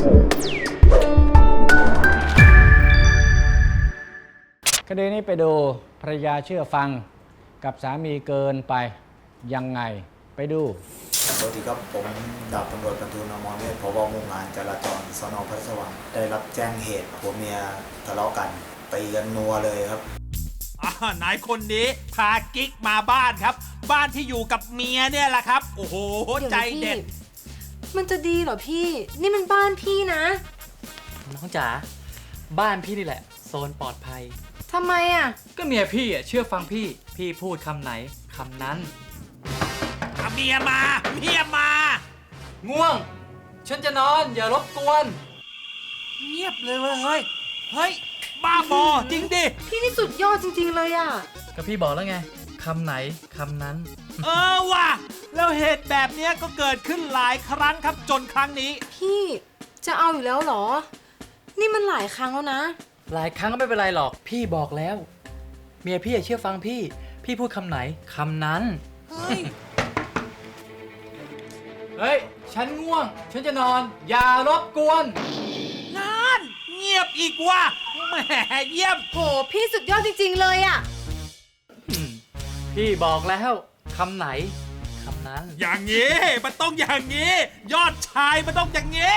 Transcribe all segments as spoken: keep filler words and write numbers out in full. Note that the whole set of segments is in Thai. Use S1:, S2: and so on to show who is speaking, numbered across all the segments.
S1: คดีนี้ไปดูภรรยาเชื่อฟังกับสามีเกินไปยังไงไปดู
S2: สวัสดีครับผมดาบตำรวจบรรทูล อมรเวช ผบ.หมู่งานจราจรสน.พระราชวังได้รับแจ้งเหตุผัวเมียทะเลาะกันตีกันนัวเลยครับ
S3: นายคนนี้พากิ๊กมาบ้านครับบ้านที่อยู่กับเมียเนี่ยแหละครับโอ้โหใจเด็ด
S4: มันจะดีเหรอพี่นี่มันบ้านพี่นะ
S5: น้องจ๋าบ้านพี่นี่แหละโซนปลอดภัย
S4: ทำไมอ่ะ
S5: ก็เมียพี่อ่ะเชื่อฟังพี่พี่พูดคำไหนคำนั้น
S3: เมียมาเมียมา
S5: ง่วงฉันจะนอนอย่ารบกวน
S3: เงียบเลยเว้ยเฮ้ยเฮ้ยบ้าบอจริงดิ
S4: พี่นี่สุดยอดจริงๆเลยอ่ะ
S5: ก็พี่บอกแล้วไงคำไหนคำนั้น
S3: เออว่ะแล้วเหตุแบบนี้ก็เกิดขึ้นหลายครั้งครับจนครั้งนี้
S4: พี่จะเอาอยู่แล้วเหรอนี่มันหลายครั้งแล้วนะ
S5: หลายครั้งก็ไม่เป็นไรหรอกพี่บอกแล้วเมียพี่เชื่อฟังพี่พี่พูดคำไหนคำนั้นเฮ้ยเฮ้ยฉันง่วงฉันจะนอนอย่ารบกวน
S3: นั่นเงียบอีกว่ะแหมเยี่ยม
S4: โหพี่สุดยอดจริงๆเลยอ่ะ
S5: พี่บอกแล้วคำไหนคำนั้น
S3: อย่างนี้มันต้องอย่างนี้ยอดชายมันต้องอย่างนี้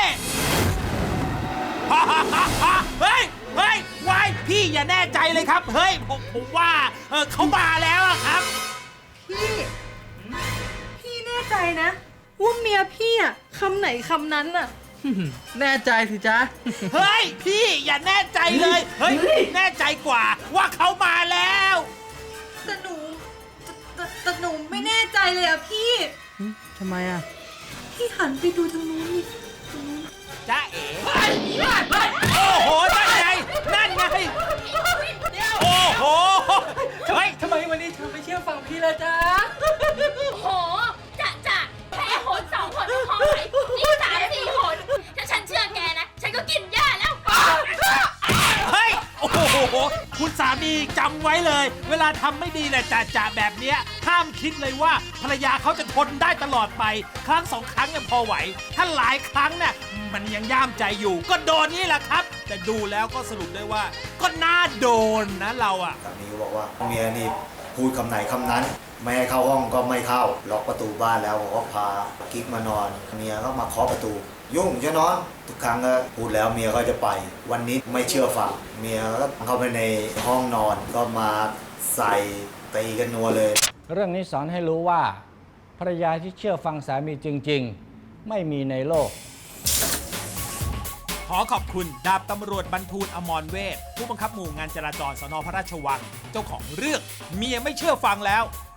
S3: เฮ้ยเฮ้ยวายพี่อย่าแน่ใจเลยครับเฮ้ยผมผมว่าเออเขามาแล้วครับ
S4: พี่พี่แน่ใจนะว่าเมียพี่อ่ะคำไหนคำนั้นอ่ะ
S5: แน่ใจสิจ๊ะ
S3: เฮ้ยพี่อย่าแน่ใจเลยเฮ้ยแน่ใจกว่าว่าเขามาแล้ว
S4: แต่หนูแต่แต่หนูไม่แน่ใจเลยอ่ะพี่
S5: ทำไมอ่ะ
S4: พี่หันไปดูทางนู้นนี่
S3: จ๊ะเอ๋โอ้โหนั่นไงนั่นไงโอ้โห
S5: เฮ้ยทำไมวันนี้เธอไม่เชื่อฟังพี่ละจ๊ะ
S6: โอ้โหจะจะแค่หนสองคนพอไหมนี่สามสี่คนถ้าฉันเชื่อแกนะฉันก็กินหญ้าแล้ว
S3: เฮ้ยโอ้โหคุณสามีจำไว้เลยเวลาทำไม่ดีแหละจ่าจ่าแบบเนี้ยห้ามคิดเลยว่าภรรยาเขาจะทนได้ตลอดไปครั้งสองครั้งยังพอไหวถ้าหลายครั้งเนี่ยมันยังย่ามใจอยู่ก็โดนนี่แหละครับแต่ดูแล้วก็สรุปได้ว่าก็น่าโดนนะเราอะ
S2: สามีบอกว่าเมียนี่พูดคำไหนคำนั้นไม่ให้เข้าห้องก็ไม่เข้าล็อกประตูบ้านแล้วบอกว่าพากิ๊กมานอนเมียก็มาเคาะประตูยุ่งจะนอนทุกครั้งก็พูดแล้วเมียก็จะไปวันนี้ไม่เชื่อฟังเมียก็เข้าไปในห้องนอนก็มาใส่ตีกันนัวเลย
S1: เรื่องนี้สอนให้รู้ว่าภรรยาที่เชื่อฟังสามีจริงๆไม่มีในโลก
S3: ขอขอบคุณดาบตำรวจบรรทูล อมรเวชผู้บังคับหมู่งานจราจรสน.พระราชวังเจ้าของเรื่องเมียไม่เชื่อฟังแล้ว